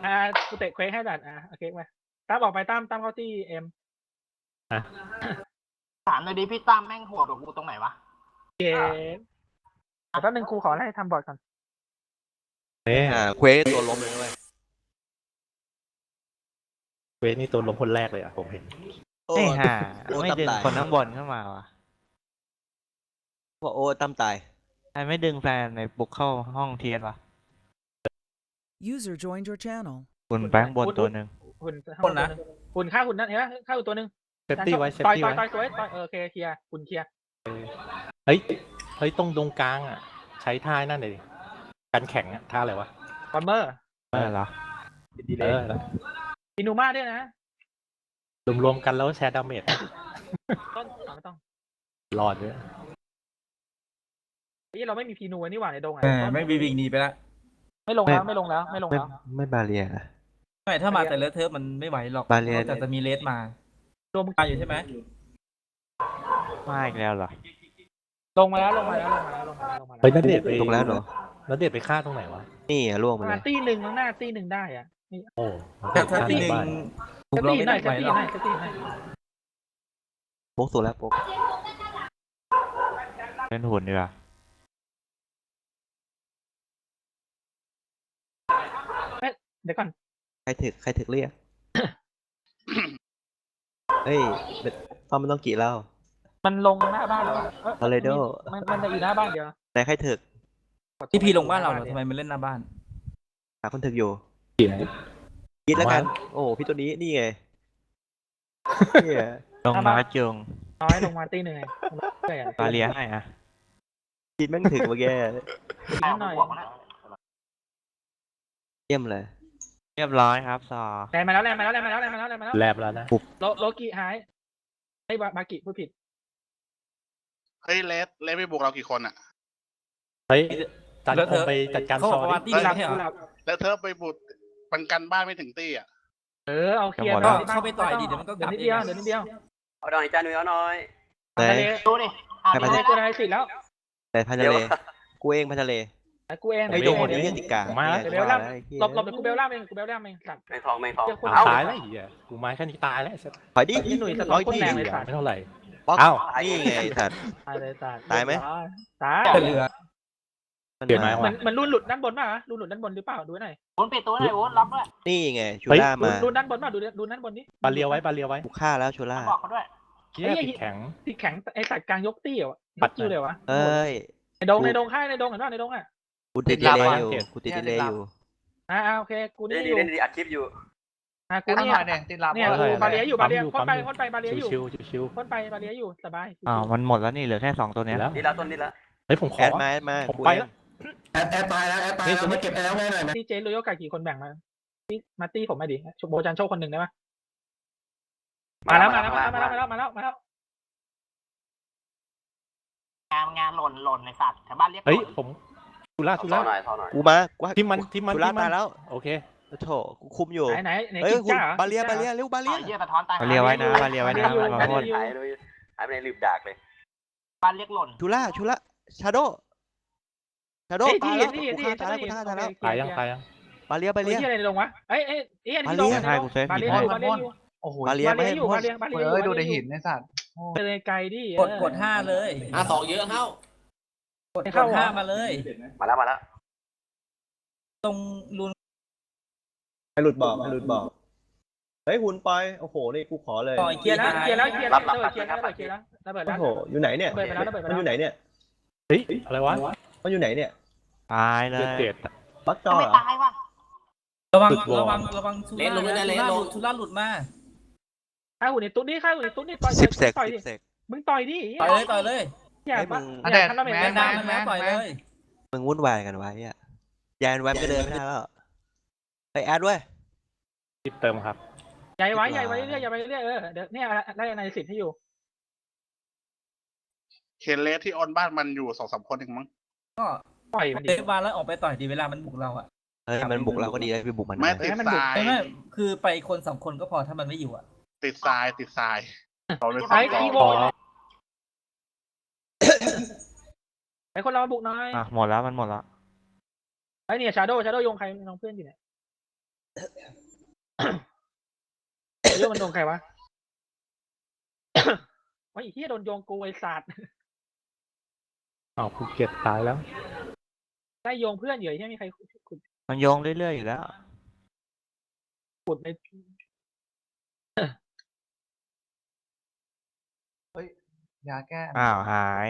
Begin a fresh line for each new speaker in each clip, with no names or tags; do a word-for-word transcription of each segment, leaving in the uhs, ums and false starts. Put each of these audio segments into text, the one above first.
อ่ากูเตะเควกให้ดัดอ่ะโอเคมาตั้มออกไปตั้มตั้มเข้าที่เอ็ม
ถามเลยดิพี่ตั้มแม่งโหดกว่ากูตรงไหนวะ
เกมแต่แป๊บนึงครูขอให้ทำบอร์ดก่อน
เนี่ย
อ่าเควสตัวล้มเลยนะเว้ย
เวทนี่ตัวล้มคนแรกเลยอ่ะผมเห็น
โอ้
ไอ้ห่า
โอ้
ไม่
ตั้ม
ดึง
ตาย
คนข้างบนเข้ามาวะ
ว่าโอ้ตั้มตาย
ใครไม่ดึงแฟนในบุกเข้าห้องเทียนวะ
User joined your channel.
คุณแป้งบนตัวหนึ่ง
หุ่นข้างบนนะหุ่นฆ่าหุ่นนั่นเห็นไหมฆ่าหุ่นตัวหนึ่ง
เซฟตี้ไว้เซฟ
ต่อย
ตี้
ต่อย
ไว้
ต่อยสวยต่อยเออโอเคเคลียร์หุ่นเคลียร์
เฮ้ยเฮ้ยตรงตรงกลางอ่ะ ใช้ท่านั่นเลยกันแข็งอ่ะท่าอะไรวะ
บอมเบอร์
เออเหรอ
เออ
อินูมาด้วยนะ
รวมรวมๆกันแล้วแชร์ดาเมจ
ต้นไม่ต้อง
รอดด้วย
นี่เราไม่มีพีนูนี่หว่าในดงอ่ะ
เออไม่บีบิงหนีไปละ
ไม่ลงแล้วไม่ลงแล้วไม่ลง
ไม่
แล้ว
ไม่บาเรียนะ
ไม่ถ้ามาแต่เลอะเทอะมันไม่ไหวหรอก
บาเลีย
แต่จะมีเลสมาร
วม
มาอยู่ใช่ไหม
มาอีกแล้วเหรอ
ลงมาแล้วลงมาแล้วลงมาแล้วลงมาแล้วลงมาแล้ว
เฮ้ยนัดเดทไป
ตรงแล้วเหรอ
นัดเดทไปฆ่าตรงไหนวะ
นี่อ่ะล่วง
ป
มา
ระ
เล
มาณ
ย
ตีหนึ่งข้างหน้าตีหนึ่งได้อ่ะนี่
โอ้
ถ้าถ้า
ฆ่า
ที
ใน
หนึ่ง
บ้าน
บุ
จะ
กเรา
ตี
ไม่
หน่
ได้
อย
ไหว
จะตี
หรอก
หน่อยจะตีหน่อย
โป๊กตัวแล้วโป๊ก
เล่นหุ่นดีกว่า
เดี๋ยวก่อน
ใครถึกใครถึกเรียก เฮ้ยต้องมันต้องกี่เล่า
มันลงหน้าบ้านแล้วอะเอ้ย
Toledo
มันมันจะอยู่หน้าบ้านเดียว
แต่ใครถึก
ที่พี่ลงบ้านเราเหรอทำไมมันเล่นหน้าบ้าน
หาคนถึกอยู่
กี่ไหน
กินแล้วกัน โอ้พี่ตัวนี้นี่ไงเนี่ย
ลงมาจง
น้อยลงมาตีหนึ่งไงใช่
บาเลียให้อ่ะ
กินแม่งถึกเมื่อกี้
นิดหน่อย
เยี่ยมเลย
เรียบร้อยครับซอ
แรงมาแล้วแรงมาแล้วแรงมาแล้วแรงมาแล้วแรงมาแล้ว
แลบแล้วนะ
โลโลกิหายไอ้บาบากิพูดผิด
เฮ้ยเลสเลสไปบุกเรากี่คนอ่ะ
เฮ้ยจัด
แล้ว
ค
เธ
ง
อ
ไปจัดการ
เขา
ซ
บ
อ
อกว่า
ดิ
ที่
หลับ
ไม่ใช่เหรอ
หลับ
แล้วเธอไปบุกปันกันบ้านไม่ถึงตี้อ่ะ
เออเอาเคลียร์
ก็เข้าไปต่อยดิเดี๋ยวมันก็ก
เดี๋ย
ลั
ว
บ
นิด
เอ
เดียว
ง
เดี๋ยวนิดเดียว
เอาหน่อยจ้าหนุ่ยเอาหน่อย
ไหน
ทะเล
ดูดิอ่ะ
ใคร
ดู
ไป
ดิ
ตัวไหนสิแล้ว
แต่พันทะเลกูเองพันทะเล
ไอ้กูเอง
ไอ้
เดี๋
โด
ยวน
ไอ้
เดี๋ยว
เหี้ยติกา
มาแล้ว
เดี๋ยวล่ามหลบหลบเดี๋ยวกูเบลล่ามเองกูเบลล่ามเองสัตว์
แมงทองแมงทอง
เดี๋ยวคุณ
เอา
ตายแล้วไอ้เหี้ยกูไม้แค่นี้ตายแล้วไอ้สัส
ถอยดิ
พี่หนุ่ยสะท้
ร้
อ
อน ย
โคตร
ที่
แรงเลยสัตว์
ไม่เท่าไหร่
ป๊อก
อ้าว
นี่ไงสัตว์
ตายเลยสัตว์
ตายไหม
ตาย
แต่เหลือ
เปลี่ยนไม้
เหมื
วะ
อนเหมือนรูนหลุดด้านบนป่ะรูนหลุดด้านบนหรือเปล่าดูหน่อย
โอนปิดตัวหน่อยโอนล็อกด้วย
นี่ไงชู
เฮ้ย
ล่า
รู
มาน
รูนด้านบนป่ะดูดูด้านบนนี้
บาเลียวไว้บาเลียวไว้
กูฆ่าแล้วชูล่า
บอกเขาด้วย
เหี้ยติดแข็ง
ที่แข็งไอ้สัตว์กลางยกตี้เหรอ
ปั
ปั
ด
ดคิวเลยวะ
เอ้ย
ในดงในดงค่ายในดงเห็นป่ะในดงอ่ะ
กูติดดีเลยอยู่กูติดดีเลยอยู่
อ่าโอเคกู
เล่
นี่
น
อ
ดี
ยู่
เล่นดีอัดคลิปอยู่
อ่ากูนี่เนี่ยเนี่ยกูบาเลียอยู่บาเลียพ่นไปพ่นไปบาเลียอยู่
ชิวๆชิว
พ่นไปบาเลียอยู่สบาย
อ้าวมันหมดแล้วนี่เหลือแค่สองตัว
ๆ
เนี้ย
แล้ว
นี่ละต้นนี่ละ
เฮ้ยผมข
แอ
อ
ดมาแอดมา
ผม
กู
ไป
เอง
แล้ว
แอดแอดตายแล้วแอดตายแล้วมาเก็บแอดง่ายหน่อยไหม
ที่เจนโรโยกากี่คนแบ่งมาที่มาตี้ผมมาดิโบจันโชคคนหนึ่งได้ปะมาแล้วมาแล้วมาแล้วมาแล้วมาแล้วมาแล้ว
งานงานหล่นหล่นในสัตว์แถวบ้านเรียกห
เฮ้ย
ล่น
ผมทุล่า
เอา
ทุ
ท่อ
ล่า
หน่อยท่อหน่อย
กูมากู
ที่มันที่มัน
ชูล่า
ที่มัน
ตายแล้ว
โอเค
โถกูคุมอยู่
ไหนไหนไหน
เฮ้ย
กิน
คุณ
จ้าเหรอบ
าเลียบาเลียเร็วบา
ต่
เลี
อย ยเยี่ยสะท้อนตาย
บาเลียไว้นะบาเลียไว้นะมาพ่น
หายไปหายไปในลืมดากเลย
บ้านเรียกหล่น
ชูล่าชูล่าชาโดชาโด
เฮ้ย
ตา
ที่
ยแล้ว
ที่
กู
ที่
ฆ่าตายแล้วกูฆ่าตายแล้ว
ตายยังตายยัง
บาเลียบา
บา
เลี
เลี
ย
ยอะไรในดงวะเอ้ยเอ้ยเอ้ยที่ดง
ให้
ในด
กู
ง
เซฟ
บา
ผิด
เลีย
ให้
อยู่บาเลียอยู่
โอ้โห
บาเลีย
บา
ไม่
เลีย
ให้
อยู่
พ่
บาน เลียบาเลียอยู่
เฮ้ยดูในหินในสัตว์
ไปเลยไกลดิ
กดกดห้าเลย
อ่ะสองเยอะเข้าก
ดกดห้ามาเลย
มาแล้วมาแล้ว
ตรงรูน
ให้หลุดบอกให้หลุดบอกเฮ้ยหุ่นไปโอ้โหนี่กูขอเลย
ต่อย
เค
เกี
ลี
ย
ย
ร์
ร์
นะ
แล้วเคลียร์แล้วเคลียร์แล้วระเบิดเคลียร์แล้วระเบิดเคลียร์แล้วระเบิด
โอ้
แล้ว
โหอยู่ไหนเนี่ย
ระเบิดไปแล้วระเบิดไป
มัน
แล้ว
อยู่ไหนเนี่ย
เฮ้ยอะไรวะ
มันอยู่ไหนเนี่ย
ตายเล
เจ็ด
ย
เจ็ด
บักจอ
ทำไม
เหรอ
ตายวะ
ระวัง
สุดวอร์
ระวังระวังชูล่านะชูล่าหลุดมา
ข้าหุ่นในตุ๊ดนี่ข้าหุ่นในตุ๊ดนี่ต่อย
สิบเซก
ต่อย
สิ
ดิ
บเซก
มึงต่อยดิ
ต่อยเลยต่อยเลย
อย่า
ให้มึ
มาง อย่าทำระเบิด
แมนดามันแล้วต่อยเลย
มึงวุ่นวายกันไว้อะยานแวมก็เดินไม่ได้แล้วไปแอดเว้ย
รีบเติมครับ
ใหญ่ไว้ใหญ่ไว้เรื่อยใหญ่ไว้เรื่อยเออเดี๋ยวเนี่ยได้ในสิทธิ์ให้อยู่
เคนเลสที่ออนบ้านมันอยู่สองสามคนเองมั้ง
ก็
ปล่อยมันดิ
เดินมาแล้วออกไปต่อยดีเวลามันบุกเราอะ
เฮ้ยมันบุกเราก็ดีเลยไปบุกมัน
ไม่
นะ
ติด
ให้มัน
ท
บุก
ราย
ไม่ไม่คือไปคนสองคนก็พอถ้ามันไม่อยู่อะ
ติดทรายติดทรายเราเลย
ไอ้
สอง
คีโว
พอ
ไอ้คนเราบุกน้อย
อ่ะหมดแล้วมันหมดแล้ว
ไอ้เนี่ยชาโดชาโดโยงใครน้องเพื่อนอยู่เนี่ยเรื่องมันโดนใครวะ โอ้ยไอ้เฮียโดนโยงกูไอ้สัตว์
อ้าวภูเก็ตตายแล้ว
ได้โยงเพื่อนอยู่ไอ้เฮียมีใครขุด
มันโยงเรื่อยๆอยู่แล้ว
ขุดใน
ยาแก้
อ้าวหาย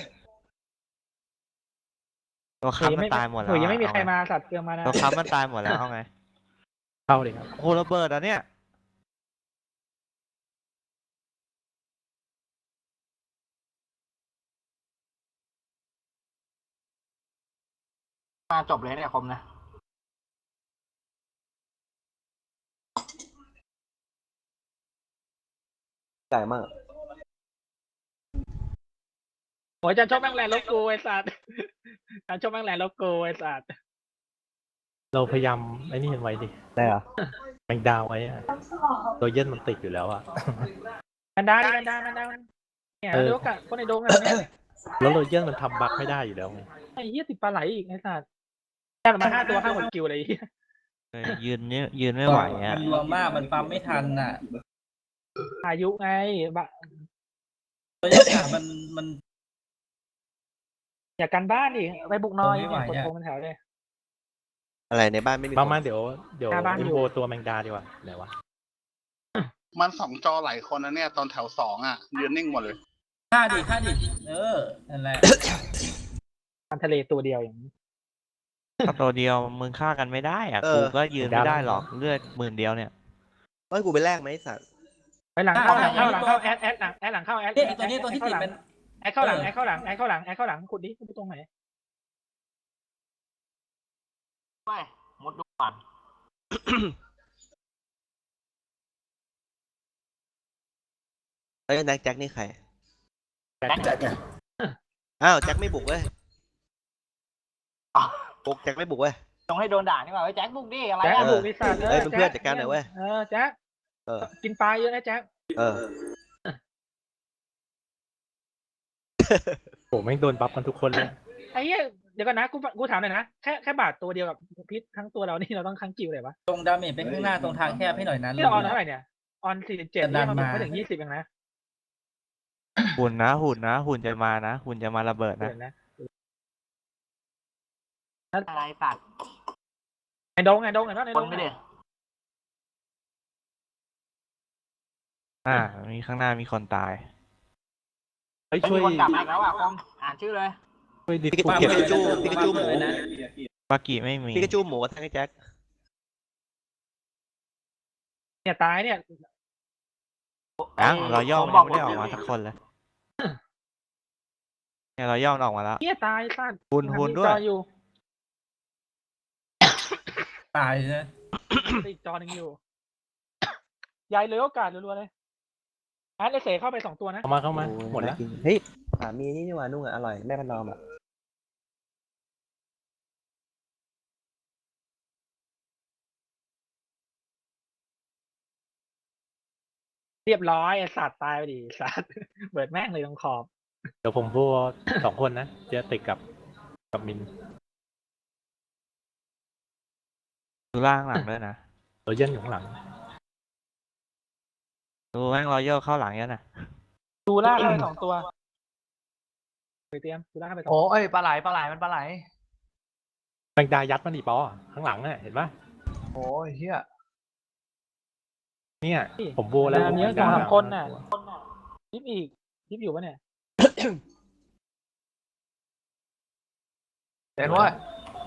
ตัวค้ำมันตายหมดแล้ว
เออยังไม่มีใคร
เอาไง
มาสัตว์เตือนมานะ
ตัวค้ำมันตายหมดแล้วเอาไง
เข้าเลยครับ
โอ้ระเบิดอ่ะเนี่ย
มาจบเลยเนี่ยคมนะ
ใหญ่มาก
โอ้ยจันชอบแม่งแลนด์โลโก้ไอ้สัตว์ จันชอบแม่งแลนด์โลโก้ไอ้สัตว์
เราพยายามไอ้นี่เห็นไว้ดิ
ได้เหรอ
แมงดาวไว้อะตัวเย็นมันติดอยู่แล้วอะ
กันดาดิกันดากันดาเนี่ย
เออ
เดี๋ยวกับคนในโดงอะเนี่ย
แล้วโรเยนมันทำบั๊กไม่ได้อยู่แล้วไง
ไอ้เหี้ยติดปลาไหลอีกไอ้สัตว์แค่มาห้าตัวห้าหมดกิวเลยไอ้เหี้ย
เออยืนเนี่ยยืนไม่ไหวอ่ะ
มันรวมมากมันปั๊มไม่ทันอ่ะ
พายุไงบะ
ตัวยักษ์มันมัน
อย่ากันบ้านดิไปบุกน้อย
ไม่ไหว
เนี่ยกด
อะ
โทรมันแถวเลย
อะไรในบ้านไม่มี
มา
คน
มาเดี๋ยวเดี๋ยว
หน้าบ้านอยู่
อินโวตัวแมงดาดีกว่าไหนวะ
มันสองจอหลายคนนะเนี่ย ตอนแถวสองอ่ะ ยืนนิ่งหมดเลย
ฆ่าดิฆ่าดิเออนั่นแหละ
มันทะเลตัวเดียวอย่างนี้
ถ้าตัวเดียวมึงฆ่ากันไม่ได้อ่ะกูก็ยืนไม่ได้หรอกเลือดหมื่นเดียวเนี่ย
เฮ้ยกูไปแลกไหมไอ้สัตว์
ไปหลังเข้าหลังเข้าหลังเข้าแอดแอดหลังแอดหลังเข้าแอด
เนี่ยไอ้ตัวนี้ตัวที่ติดเป็น
แอดเข้าหลังแอดเข้าหลังแอดเข้าหลังแอดเข้าหลังขุดดิขุดตรงไหน
ไปมุดดูก่อน
เฮ้ยแจ็คแจ็คนี่ใคร
แจ็ค
อ้าวแจ็คไม่บุกเว้ย
อ๋อ
บุกแจ็คไม่บุกเว้ย
ต้องให้โดนด่านี่ว่าเฮ้ยแจ็คบุกดิอะไร
แจ็ค
อ่ะ
บุกดิสัตว์
เอ้ยเป็นเพื่อนจัดการหน่อยเว้ย
เออแจ็ค
เออ
กินปลาเยอะนะแจ็ค
เออ
โหแม่งโดนบัฟกันทุกคนเลย
ไอ้เหี้ยเดี๋ยวก่อนนะกูกูถามหน่อยนะแค่แค่บาทตัวเดียวกับพิษทั้งตัวเรานี่เราต้องค้างกิวเลยวะ
ตรงดาเมจไปข้างหน้าตรงทางแคบให้หน่อยนั้น
ที่เราออนเท่าไหร่เนี่ยออนสี่สิบเจ็ด
ดั
เนี่ย
น
มัน
มา
ไม่ถึงยี่สิบเองนะ
หุ่นนะหุ่นนะหุ่นจะมานะหุ่นจะมาระเบิดนะ
เดี๋ยวนะ
อะไรสัตว์
ไอ้ดงไอ้ดงไอ้นั่นไอ้
ค
ด
น
ง
ไม่ได้
อ่ามีข้างหน้ามีคนตาย
เฮ้ย
ไม่
ช่วย
มีคนกลับมาอีกแล้วอ่ะคมอ่านชื่อเลย
ช่วยดิส
ปิ
ภู
กา
เก็ต
จูปิกาจูหมู
ปากิไม่มี
ปิกาจูหมูกับทั้งไอ้แจ็ค
เนี่ยตายเนี่ย
ยังเราย่อมันยังไม่ได้ออกมาสักคนเลยเนี่ยเราย่อมันออกมาแล้ว
เนี่ยตายสัตว์
หุ่นหุ่นด้วย
จออยู่
ตายนะ
ติดจอหนึ่งอยู่ยายเลยโอกาสรัวๆเลยแอดเลเสเข้าไปสองตัวนะ
เข้ามาเข้ามาหมดแล้ว
เฮ้ยสามีนี่นี่หว่านุ่งอ่ะอร่อยแม่พันนอมอ่ะ
เรียบร้อยไอ้สัตว์ตายไปดิสัตว์ เบิดแม่งเลยตรงขอบ
เดี๋ยวผมพูดสองคนนะเจะติดกับกับมิน
ดูล่างหลังด้วยนะ
โรเยนอยู่ข้างหลัง
ดูแม่งรอยย่อเข้าหลังเยอะนะ
ดูล่าเข้าไปสองตัวไปเตรียมดูล่าเข้าไปสอง
โอ้ยปลาไหลปลาไหลมันปลาไหล
แมงดายัดมันอีปอข้างหลังน่ะเห็นปะ
โอ้ยเฮีย
เนี่ยผมโบแล้ว
อันนี้สองสามคนน่ะยิบอีกยิบอยู่ปะเนี่ย
เห็นว่า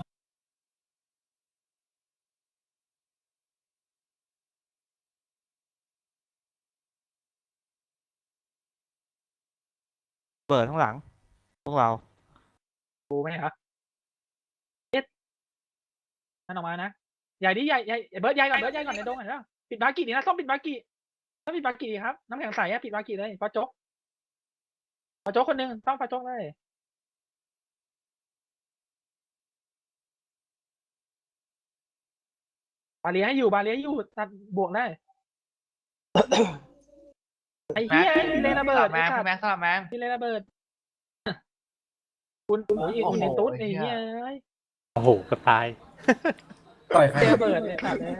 เปิดข้างหลัง พวกเรา
ดูไหมครับเอ็ดมันออกมานะใหญ่ดิใหญ่ใหญ่เบิร์ดใหญ่ก่อนเบิร์ดใหญ่ก่อนในดงก่อนนะปิดบากิดีนะต้องปิดบากิต้องปิดบากิครับน้ำแข็งใสอะปิดบากิเลยปาโจ๊กปาโจ๊กคนหนึ่งต้องปาโจ๊กเลยบาเลียให้อยู่บาเลียให้อยู่ตัดบวกได้ ไอ้เหี้ยมีเลนระเบิด
แมงแมงสลับแมง
มีเลนระเบิด คุณโอ้ยคุณในตุ๊ดไอ้เหี้ยเอ้ย
โอ้โหก็ตาย
ต่อยใคร
เจอเบิร์ดเลยสัตว์เลย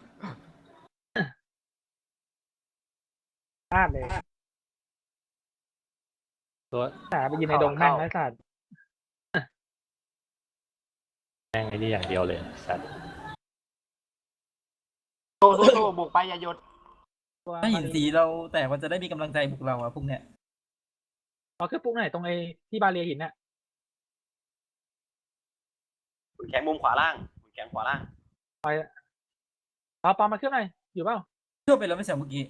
พลาดเลย
ตัว
แต่ไปยืนในดงแม่งไร้สัตว์
แม่งไอ้นี่อย่างเดียวเลยสัตว์
สู้สู้สู้บุกไปอย่าหยุด
ตัว
ถ้าหินสีเราแต่มันจะได้มีกำลังใจบุกเราอะพวกเนี้ย
เอาขึ้นปุ๊บไหนตรงไอ้ที่บาเรียหินน่ะ
คุณแข็งมุมขวาล่างคุณแข็งขวาล่าง
เอาปอมมาขึ้นหน่อยอยู่เปล่า
เชื่อไปแล้วไม่ใช่เมื่อกี้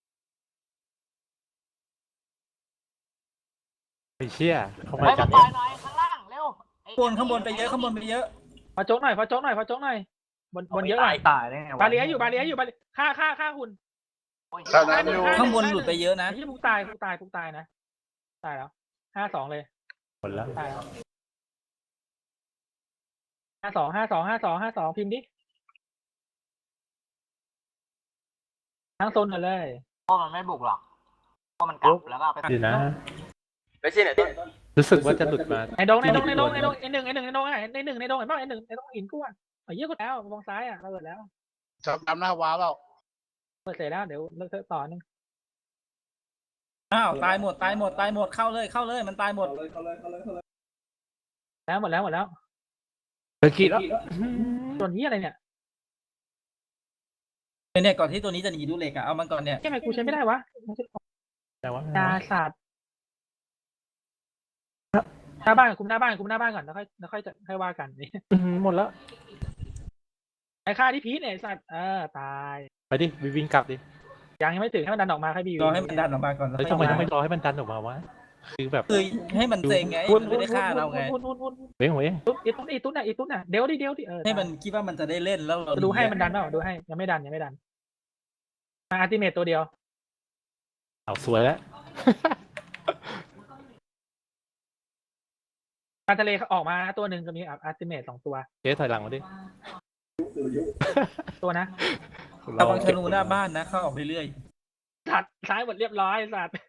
ไอ้เชี่ยเข้า
ไป
มา
มา
จับ
ต่อยหน่อยข้างล่างเร็วไอ้
ข้างบนข้างบนไปเยอะข้างบนไปเยอะ
พอโจ๊กหน่อยพอโจ๊กหน่อยพอโจ๊กหน่อยบนบนเยอะหน่อย
ตายได้ไงวะ
บาเรียอยู่บาเรียอยู่บาเรียฆ่าฆ่าฆ่าหุ่น
ข้างหน้าอยู่
ข้างบนหลุดไปเยอะนะ
ไอ้ที่พุกตายพุกตายพุกตายนะตายแล้วห้าสองเลย
หมดแล้ว
ตายแล้วห้าสองห้าสองห้าสองห้าสองพิมพ์ดิทั้งโซนกันเลย
เพราะมันไม่บุกหรอกเพราะมันกลับแล้วก็เอาไป
ดีนะ
ไปสิไหนต้น
รู้สึกว่าจะหลุดมา
ในดงในดงในดงในดงในหนึ่งในหนึ่งในดงไงในหนึ่งในดงเห็นป่ะในหนึ่งในดงหินกู้อ่ะเอาเยอะกว่าแล้วมองซ้ายอ่ะเราเปิดแล้ว
จับดำหน้าว้าวแล้ว
เปิดเสร็จแล้วเดี๋ยวเลิกต่อนึง
อ้าวตายหมดตายหมดตายหมดเข้าเลยเข้าเลยมันตายหมด
แล้วหมดแล้วหมดแล้ว
เธอคิดแล้ว
ส่วนนี้อะไรเนี่ย
เนี่ยก่อนที่ตัวนี้จะหนีดูเหล็กอะเอามันก่อนเนี่ย
ทำไมกูใช้ไม่ได้วะ
แต่ว่า
ดาสัตว์หน้าบ้านคุมหน้าบ้านคุมหน้าบ้านก่อนแล้วค่อยแล้วค่อยจะค่อยว่ากันนี่
อื้อหือหมดแล้ว
ไอ้ค่าที่พีทเนี่ยไอ้สัตว์เออตาย
ไปดิวิ่งกลับดิ
ยังยังไม่ถึงให้มันดันออกมาให้บี
รอให้มันดันออกมาก่อนแล้ว
เฮ้ย
ค่
ทำไม
อย
ต้องไม่รอให้มันดันออกมาวะคือแบบ
คือให้มันเซ็งไง
วุ่น
มันไม่ได้ฆ่าเราไง
วุ่นวุ่นวุ่นวุ่น
เว้งเว้ง
ตุ๊ดอีตุ๊ดอีตุ๊ดน่ะอีตุ๊ดน่ะเดี๋ยวดิเดี๋ยวดิเออ
ให้มันคิดว่ามันจะได้เล่นแล้วเรา
จะดูให้มันดันเปล่าดูให้ยังไม่ดันยังไม่ดันมาอัลติเมตตัวเดียว
เอาสวยแล้ว
ปลาทะเลออกมาตัวหนึ่งจะมีอัลติเมตสองตัว
เจ๊ถอยหลังมาดิ
ตัวนะ
ระวังธนูหน้าบ้านนะเข้าออกเรื่อย
สัตว์ซ้ายหมดเรียบร้อยสัตว์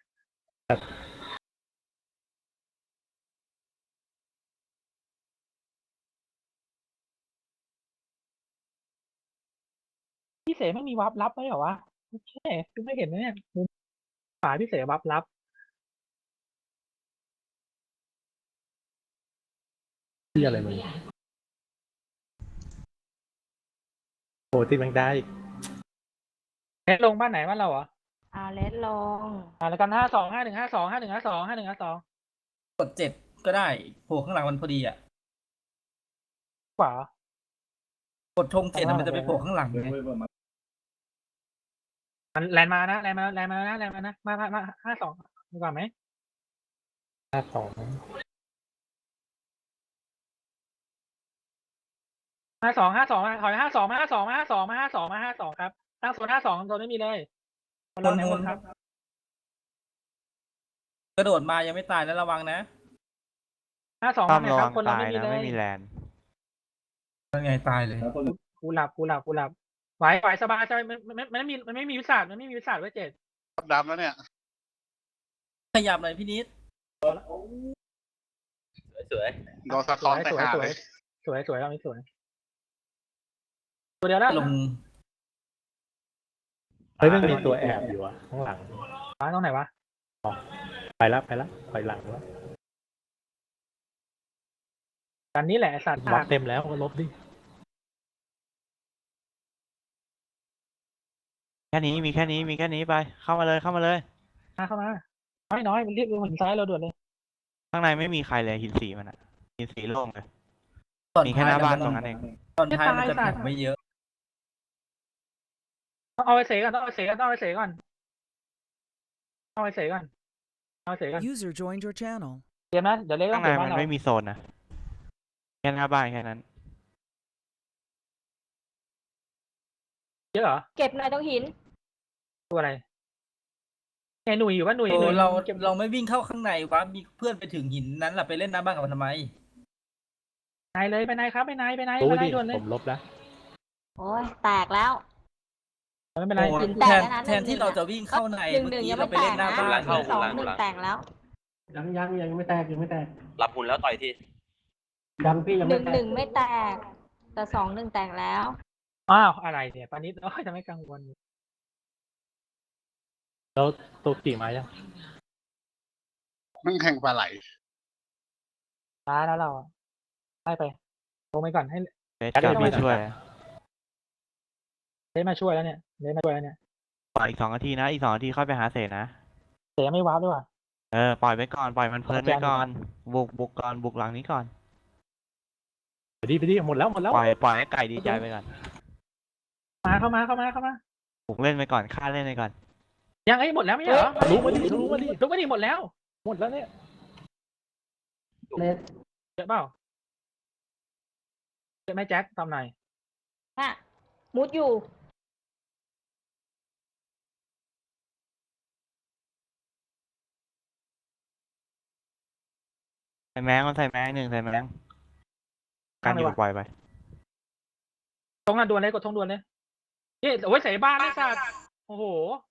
พี่เสไม่มีวับลับไหมเหรอวะโอเคคุณไม่เห็นนะเนี่ยมุมขวาพี่เสวับลับ
ที่อะไรมึงโอ้ที่แม่งได้
เทสลงบ้านไหนบ้านเราเหรอ
เอาเลสลง
อ่าแล้วกันห้าสองห้าหนึ่งห้าสองห้าหนึ่งห้าสองห้าหนึ่งห้าสอง
ๆกดเจ็ดก็ได้โผล่ข้างหลังมันพอดีอะ
ขวาก
ดธงเจ็ดอะมันจะไปโผล่ข้างหลังไง
มันแลนมานะแลนมาแลนมานะแลนมานะมามามาห้าสองดีกว่าไหม
ห้าสอง
ห้าสองห้าสองถอยห้าสองมาห้าสองมาห้าสองมาห้าสองมาห้าสองครับตั้งโซนห้าสองโซนไม่มีเลยคนเราไหนหมดครับ
กระโดดมายังไม่ตายนะระวังนะ
ห้าสอง
ต้อ
มาม ไหน
ระ
ค
วั
รับ
ง
คนเรา
ตาย
ไม่มี
นะ
เลย
ไม่มีแลน
นั่นไงตายเลย
กูหลับกูหลับกูหลับไหวไหวสบายสบายมันมันมันไม่มีมันไม่มีวิสัทมันไม่มีวิสัทไว้เจ็ด
จับดำแล้วเนี่ย
ขยับหน่อยพี่นิด
สวย
โดนสะท้อนไป
สวย
หา
สว
เลย ย
สวยสวยเราไม่สวยตัวเดียวแล้ว
ลง
เฮ้ยมันมีตัวแอบอยู่อะข้างหลัง
ร้านตรงไหนวะ
ไปแล้วไปแล้วถอยหลังแล้ว
กันนี้แหละไอ้สัตว์
บล็อกเต็มแล้วก็ลบดิ
แค่นี้มีแค่นี้มีแค่นี้ไปเข้ามาเลยเข้ามาเลย
มาเข้ามาน้อยน้อยมันเรียกหินซ้ายเราด่วนเลย
ข้างในไม่มีใครเลยหินสีมันอะหินสีโล่งเลย
ตอน
มีแค่หน้าบ้านตรงนั้นเอง
ตอนท้ายมันจะแข็งไม่เยอะ
ต้องเอาไปเสกก่อนต้องเอาไปเสกก่อนต้องเอาไปเสกก่อนเอาไปเสกก่อนเอาไปเสกก่อน
User joined your channel.
เดี๋ยวนะเดี๋ยวเล็กต้อ
ข้าง งใน
เก็บบ้า
มัน น
เรา
ไม่มีโซนนะแค่หน้าบ้านแค่นั้น
เยอะเหรอ
เก็บหน่อยตรงหิน
ตัวอะไรไงหนุ่ยอยู่ว่าหนุ่ย
เอ
หนุ่
อย เรา
เก็บ
เราไม่วิ่งเข้าข้างในวะมีเพื่อนไปถึงหินนั้นแหละไปเล่นหน้าบ้านกับมันทำไม
นายเลยไปนายครับไปนายไปนาย
รู้
ไปนา
ดิ
ยด่วนเลย
ผมลบแล้ว
โอ้ยแตกแล้ว
ไม่เป็นไร
โอ้
หินแต
แท
ก
น
แล้วนะ
แทนที่เราจะวิ่งเข้าใน
หนึ่ง
เมื่
หนึ่
อง กี้
ยัง
เรา
ไม่
ไป
แต
เล่
ก
นหน้า
นะ
บ้าน
หนึ่งสองหนึ่งแตกแล้ว
ยังยังยังไม่แตกยังไม่แตกรับหุ่นแล้วต่อยที
หนึ่งหนึ่งไม่แตกแต่สองหนึ่งแตกแล้ว
อ้าวอะไรเนี่ยปานิดเอ้ยจะไม่กังวล
แล้วตัวกี่มายัง
มันแข่งปลาไหล
ช้าแล้วเราอะไล่ไปลงไปก่อนให้
เบสกลับมาช่วย
เลสมาช่วยแล้วเนี่ยเลสมาช่วยแล้วเนี่ย
ปล่อยอีกสองนาทีนะ อีกสองนาทีค่อยไปหาเศษนะ
เสียไม่ว้าวด้วยว่ะ
เออ ปล่อยไว้ก่อน ปล่อยมันเพลิน
โอเค
ไว้ก่อน บุก บุกก่อน บุกหลังนี้ก่อน
ไปดิไปดิหมดแล้วหมดแล้ว
ปล่อย ปล่อยให้ไก่ดีใจไปก่อน
มาเข้ามาเข้ามาเข้ามา
บุกเล่นไปก่อน ฆ่าเล่นไปก่อน
ยังไงหมดแล้วไม่ใช่เหรอ
รู้มาดิรู้มาดิ
ลุกมาดิหมดแล้ว
หมดแล้วเนี่ย
เยอะเปล่าเยอะไหมแจ็คตามหน่อย
น่ะ มุดอยู่
ใส่แมงมันใส่แมงหนึ่งใส่แมงการอยู่ปล่อยไป
ตรงนั้นดวนเลยกดทงดวนเลยนี่โอ้ยใส่บ้านเลยสัตว์โอ้โห